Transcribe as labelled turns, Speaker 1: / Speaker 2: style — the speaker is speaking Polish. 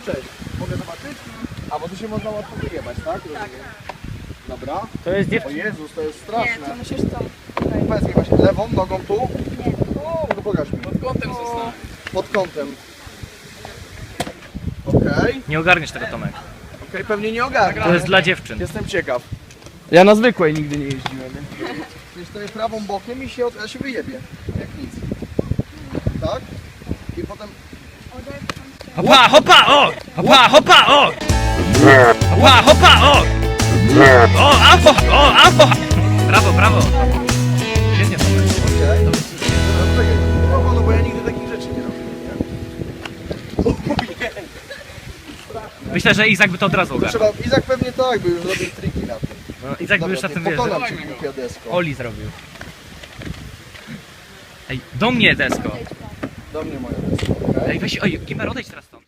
Speaker 1: Cześć. Mogę zobaczyć? A, bo tu się można łatwo wyjebać, tak? Tak. Dobra.
Speaker 2: To jest
Speaker 1: O
Speaker 2: dziewczyna.
Speaker 1: Jezus, to jest
Speaker 3: Nie,
Speaker 1: straszne.
Speaker 3: to musisz tą.
Speaker 1: Powiedz mi właśnie, lewą nogą tu?
Speaker 3: Nie.
Speaker 1: No pokaż mi.
Speaker 4: Pod kątem zostałem.
Speaker 1: Pod kątem. Okej.
Speaker 2: Nie ogarniesz tego, Tomek.
Speaker 1: Okej, pewnie nie ogarnę.
Speaker 2: To jest dla dziewczyn.
Speaker 1: Jestem ciekaw. Ja na zwykłej nigdy nie jeździłem. Więc stoję prawą bokiem i ja się wyjebię. Jak nic. Tak? I potem...
Speaker 2: Hopa, hopa, o! Hopa, hopa, o! Hopa, hopa, o! O, afo, o, afo! Brawo, brawo. Świetnie, Tomek.
Speaker 1: Okej. No bo ja nigdy takich rzeczy nie robiłem.
Speaker 2: Myślę, że Izak by to od razu
Speaker 1: To
Speaker 2: ogarnął.
Speaker 1: trzeba... Izak pewnie tak, by już robił triki na tym.
Speaker 2: No, Izak by już na tym
Speaker 1: Pokonam
Speaker 2: wierzył.
Speaker 1: cię, głupia desko.
Speaker 2: Oli zrobił. Ej, do mnie desko.
Speaker 1: Do mnie moja desko, okej?
Speaker 2: Ej, weź, oj, Gimer, odejdź teraz stąd.